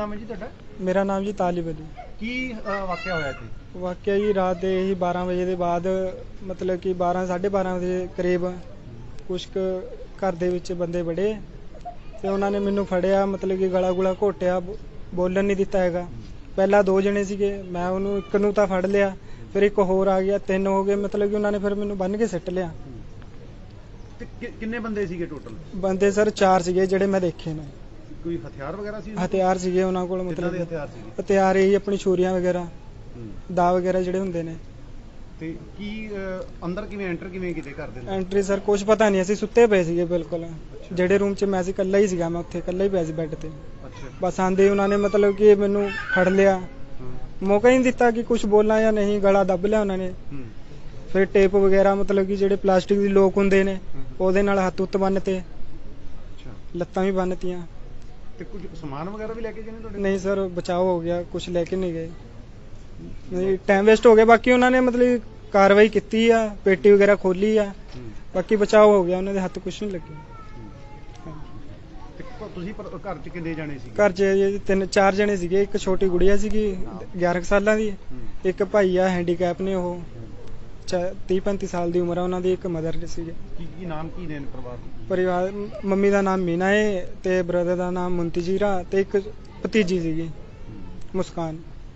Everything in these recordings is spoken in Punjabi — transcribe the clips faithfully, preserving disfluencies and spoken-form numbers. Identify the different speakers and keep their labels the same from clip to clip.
Speaker 1: नाम है जी तुहाडा?
Speaker 2: मेरा नाम जी तालिब अली।
Speaker 1: की वाकया होया इत्थे?
Speaker 2: वाकया जी रात ਦੇ ਹੀ बारह ਵਜੇ ਦੇ ਬਾਅਦ ਮਤਲਬ ਕਿ ਬਾਰਾਂ ਸਾਢੇ ਬਾਰਾਂ ਦੇ ਕਰੀਬ ਕੁਛ ਕੁ ਘਰ ਦੇ ਵਿੱਚ ਬੰਦੇ ਬੜੇ ਤੇ ਉਹਨਾਂ ਨੇ ਮੈਨੂੰ ਫੜਿਆ, ਮਤਲਬ ਕਿ ਗਲਾ ਗੁਲਾ ਘੋਟਿਆ, ਬੋਲਣ ਨਹੀਂ ਦਿੱਤਾ ਹੈਗਾ। ਪਹਿਲਾਂ ਦੋ ਜਣੇ ਸੀਗੇ, ਮੈਂ ਉਹਨੂੰ ਇੱਕ ਨੂੰ ਤਾਂ ਫੜ ਲਿਆ, ਫਿਰ ਇੱਕ ਹੋਰ ਆ ਗਿਆ, ਤਿੰਨ ਹੋ ਗਏ। ਮਤਲਬ ਕਿ ਉਹਨਾਂ ਨੇ ਫਿਰ ਮੈਨੂੰ ਬੰਨ ਕੇ ਸਿੱਟ ਲਿਆ।
Speaker 1: ਕਿੰਨੇ ਬੰਦੇ ਸੀਗੇ ਟੋਟਲ?
Speaker 2: ਬੰਦੇ ਸਰ ਚਾਰ ਸੀਗੇ ਜਿਹੜੇ ਮੈਂ ਦੇਖੇ ਨੇ।
Speaker 1: ਕੋਈ ਹਥਿਆਰ ਵਗੈਰਾ ਸੀ?
Speaker 2: ਹਥਿਆਰ ਸੀਗੇ ਉਹਨਾਂ ਕੋਲ, ਮਤਲਬ
Speaker 1: ਹਥਿਆਰ ਸੀਗੇ?
Speaker 2: ਹਥਿਆਰ ਇਹੀ ਆਪਣੀ ਛੁਰੀਆਂ ਵਗੈਰਾ, ਦਾ ਵਗੈਰਾ ਜਿਹੜੇ ਹੁੰਦੇ ਨੇ।
Speaker 1: ਤੇ ਕੀ ਅੰਦਰ ਕਿਵੇਂ ਐਂਟਰ ਕਿਵੇਂ ਕੀਤੇ ਘਰ ਦੇ?
Speaker 2: ਐਂਟਰੀ ਸਰ ਕੁਝ ਪਤਾ ਨਹੀਂ, ਅਸੀਂ ਸੁੱਤੇ ਪਏ ਸੀਗੇ ਬਿਲਕੁਲ। ਜਿਹੜੇ ਰੂਮ 'ਚ ਮੈਂ ਸੀ ਇਕੱਲਾ ਹੀ ਸੀਗਾ, ਮੈਂ ਉੱਥੇ ਇਕੱਲਾ ਹੀ ਪਿਆ ਸੀ ਬੈੱਡ ਤੇ। ਬਸ ਆਂਦੇ ਉਹਨਾਂ ਨੇ ਮਤਲਬ ਕਿ ਮੈਨੂੰ ਫੜ ਲਿਆ, ਮੌਕਾ ਹੀ ਨਹੀਂ ਦਿੱਤਾ ਕਿ ਕੁਝ ਬੋਲਾਂ ਜਾਂ ਨਹੀਂ, ਗਲਾ ਦੱਬ ਲਿਆ ਉਹਨਾਂ ਨੇ। ਫਿਰ ਟੇਪ ਵਗੈਰਾ, ਮਤਲਬ ਕਿ ਜਿਹੜੇ ਪਲਾਸਟਿਕ ਦੀ ਲੋਕ ਹੁੰਦੇ ਨੇ ਉਹਦੇ ਨਾਲ ਹੱਥ ਉੱਤ ਬੰਨਤੇ, ਲੱਤਾਂ ਵੀ ਬੰਨਤੀਆਂ।
Speaker 1: ਤੇ ਕੁਝ ਸਮਾਨ ਵਗੈਰਾ ਵੀ ਲੈ ਕੇ ਗਏ ਨੇ ਤੁਹਾਡੇ?
Speaker 2: ਨਹੀਂ ਸਰ, ਬਚਾਓ ਹੋ ਗਿਆ, ਕੁਝ ਲੈ ਕੇ ਨਹੀਂ ਗਏ। ਨਹੀਂ, ਟਾਈਮ ਵੇਸਟ ਹੋ ਗਿਆ। ਬਾਕੀ ਉਹਨਾਂ ਨੇ ਮਤਲਬ ਕਾਰਵਾਈ ਕੀਤੀ ਆ, ਪੇਟੀ ਵਗੈਰਾ ਖੋਲੀ ਆ, ਬਾਕੀ ਬਚਾਓ ਹੋ ਗਿਆ, ਉਹਨਾਂ ਦੇ ਹੱਥ ਕੁਝ ਨਹੀਂ ਲੱਗੇ।
Speaker 1: ਤੁਸੀਂ ਘਰ 'ਚ ਕਿੰਨੇ ਜਾਣੇ ਸੀ?
Speaker 2: ਘਰ 'ਚ ਤਿੰਨ ਚਾਰ ਜਣੇ ਸੀਗੇ। ਇੱਕ ਛੋਟੀ ਗੁੜੀਆ ਸੀਗੀ ਗਿਆਰਾਂ ਸਾਲਾਂ ਦੀ, ਇੱਕ ਭਾਈ ਆ ਹੈਂਡੀਕੈਪ ਨੇ, ਉਹ ਤੀਹ ਪੈਂਤੀ ਸਾਲ ਦੀ ਉਮਰ ਆ ਉਹਨਾਂ ਦੀ, ਇੱਕ ਮਦਰ ਸੀਗੇ।
Speaker 1: ਕੀ ਕੀ ਨਾਮ ਕੀ ਨੇ ਪਰਿਵਾਰ?
Speaker 2: ਪਰਿਵਾਰ ਮੰਮੀ ਦਾ ਨਾਮ ਮੀਨਾ ਹੈ ਤੇ ਬ੍ਰਦਰ ਦਾ ਨਾਮ ਮੁੰਤਜੀਰਾ ਤੇ ਇੱਕ ਭਤੀਜੀ ਸੀਗੀ ਮੁਸਕਾਨ।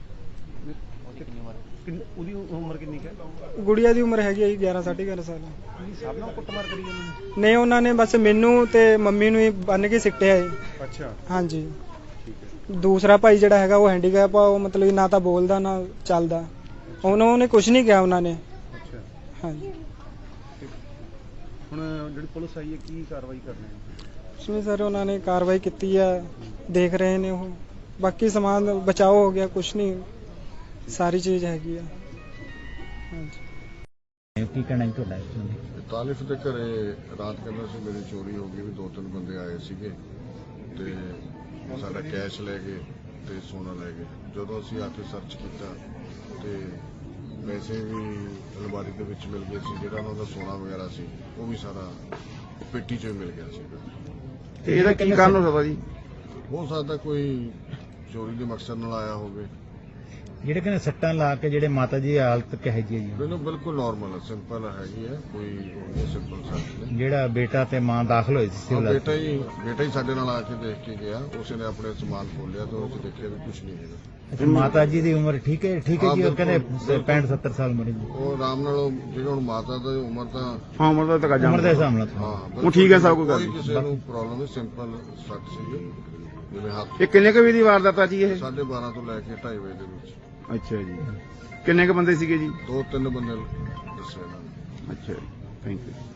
Speaker 1: ਉਹਦੀ ਉਮਰ ਕਿੰਨੀ ਹੈ?
Speaker 2: ਗੁੜੀਆ ਦੀ ਉਮਰ ਹੈਗੀ ਹੈ ਗਿਆਰਾਂ ਸਾਢੇ ਗਿਆਰਾਂ ਸਾਲ।
Speaker 1: ਸਭ ਨਾਲ ਕੁੱਟਮਾਰ ਕਰੀ ਜਾਂਦੇ?
Speaker 2: ਨਹੀਂ, ਉਹਨਾਂ ਨੇ ਬਸ ਮੈਨੂੰ ਤੇ ਮੰਮੀ ਨੂੰ ਹੀ ਬੰਨ ਕੇ ਸਿੱਟਿਆ ਹੈ।
Speaker 1: ਅੱਛਾ,
Speaker 2: ਹਾਂਜੀ।
Speaker 1: ਠੀਕ ਹੈ।
Speaker 2: ਦੂਸਰਾ ਭਾਈ ਜਿਹੜਾ ਹੈਗਾ ਉਹ ਹੈਂਡੀਕੈਪ ਆ, ਉਹ ਮਤਲਬ ਨਾ ਤਾਂ ਬੋਲਦਾ ਨਾ ਚੱਲਦਾ। ਉਹਨਾਂ ਉਹਨੇ ਕੁਝ ਨਹੀਂ ਕਿਹਾ ਉਹਨਾਂ ਨੇ।
Speaker 1: ਅੱਛਾ,
Speaker 2: ਹਾਂਜੀ।
Speaker 1: ਹੁਣ ਜਿਹੜੀ ਪੁਲਿਸ ਆਈ ਹੈ ਕੀ ਕਾਰਵਾਈ ਕਰਨੀ ਹੈ?
Speaker 2: ਉਸਨੇ ਸਰ ਉਹਨਾਂ ਨੇ ਕਾਰਵਾਈ ਕੀਤੀ ਆ, ਦੇਖ ਰਹੇ ਨੇ ਉਹ। ਬਾਕੀ ਸਮਾਨ ਬਚਾਓ ਹੋ ਗਿਆ, ਕੁਝ ਨਹੀਂ, ਸਾਰੀ ਚੀਜ਼ ਹੈਗੀ ਆ। ਹਾਂਜੀ।
Speaker 3: ਕੀ ਕਹਿਣਾ ਤੁਹਾਡਾ?
Speaker 4: ਤਾਲਿਫ ਦੇ ਘਰੇ ਰਾਤ ਕਹਿੰਦਾ ਸੀ ਮੇਰੀ ਚੋਰੀ ਹੋ ਗਈ, ਵੀ ਦੋ ਤਿੰਨ ਬੰਦੇ ਆਏ ਸੀਗੇ ਤੇ ਸਾਡਾ ਕੈਸ਼ ਲੈ ਗਏ ਤੇ ਸੋਨਾ ਲੈ ਗਏ। ਜਦੋਂ ਅਸੀਂ ਆ ਕੇ ਸਰਚ ਕੀਤਾ ਤੇ ਪੈਸੇ ਵੀ ਅਲਮਾਰੀ ਦੇ ਵਿੱਚ ਮਿਲ ਗਏ ਸੀ, ਜਿਹੜਾ ਉਹਨਾਂ ਦਾ ਸੋਨਾ ਵਗੈਰਾ ਸੀ ਉਹ ਵੀ ਸਾਰਾ ਪੇਟੀ 'ਚ ਮਿਲ ਗਿਆ ਸੀਗਾ।
Speaker 1: ਤੇ ਇਹਦਾ ਕੀ ਕਾਰਨ ਹੋ ਸਕਦਾ ਜੀ?
Speaker 4: ਹੋ ਸਕਦਾ ਕੋਈ ਚੋਰੀ ਦੇ ਮਕਸਦ ਨਾਲ ਆਇਆ ਹੋਵੇ।
Speaker 3: ਜਿਹੜੇ ਕਹਿੰਦੇ ਸੱਟਾਂ ਲਾ ਕੇ ਜਿਹੜੇ ਮਾਤਾ ਜੀ ਹਾਲਤ ਕਿਹੋ ਜਿਹੀ ਹੈ ਜੀ?
Speaker 4: ਮੈਨੂੰ ਬਿਲਕੁਲ ਨਾਰਮਲ ਹੈ, ਸਿੰਪਲ ਹੈਗੀ ਹੈ, ਕੋਈ ਉਹ ਸਿੰਪਲ ਸੱਟ ਨਹੀਂ।
Speaker 3: ਜਿਹੜਾ ਬੇਟਾ ਤੇ ਮਾਂ ਦਾਖਲ ਹੋਏ ਸੀ
Speaker 4: ਬੇਟਾ ਹੀ ਬੇਟਾ ਹੀ ਸਾਡੇ ਨਾਲ ਆ ਕੇ ਦੇਖ ਕੇ ਗਿਆ, ਉਸਨੇ ਆਪਣੇ ਸਮਾਨ ਖੋਲਿਆ ਤੇ ਉਹ ਦੇਖਿਆ ਵੀ ਕੁਝ ਨਹੀਂ ਹੈਗਾ।
Speaker 3: ਮਾਤਾ ਜੀ ਦੀ ਉਮਰ ਠੀਕ ਹੈ? ਠੀਕ ਹੈ ਜੀ। ਉਹ ਕਹਿੰਦੇ ਪੈਂਹਠ ਸੱਤਰ ਸਾਲ ਉਮਰ ਜੀ।
Speaker 4: ਉਹ ਆਰਾਮ ਨਾਲ, ਜਿਹੜਾ ਹੁਣ ਮਾਤਾ ਦੀ ਉਮਰ ਤਾਂ
Speaker 1: ਹਾਂ ਉਮਰ ਦਾ ਤਾਂ
Speaker 3: ਉਮਰ ਦੇ ਹਿਸਾਬ ਨਾਲ
Speaker 4: ਹਾਂ
Speaker 1: ਉਹ ਠੀਕ ਹੈ, ਸਭ ਕੋਈ ਗੱਲ
Speaker 4: ਨਹੀਂ,
Speaker 1: ਨਹੀਂ।
Speaker 4: ਕਿਸੇ ਨੂੰ ਪ੍ਰੋਬਲਮ ਨਹੀਂ, ਸਿੰਪਲ ਸੱਟ ਸੀਗੀ ਜਿਵੇਂ ਹੱਥ।
Speaker 1: ਇਹ ਕਿੰਨੇ ਕੁ ਵਜੇ ਦੀ ਵਾਰਦਾਤ ਆ ਜੀ ਇਹ?
Speaker 4: ਸਾਢੇ ਬਾਰਾਂ ਤੋਂ ਲੈ ਕੇ ਢਾਈ ਵਜੇ ਦੇ ਵਿੱਚ।
Speaker 1: ਅੱਛਾ ਜੀ। ਕਿੰਨੇ ਕੁ ਬੰਦੇ ਸੀਗੇ ਜੀ?
Speaker 4: ਦੋ ਤਿੰਨ ਬੰਦੇ ਦੱਸੇ ਇਹਨਾਂ ਨੇ।
Speaker 1: ਅੱਛਾ ਜੀ, ਥੈਂਕ ਯੂ।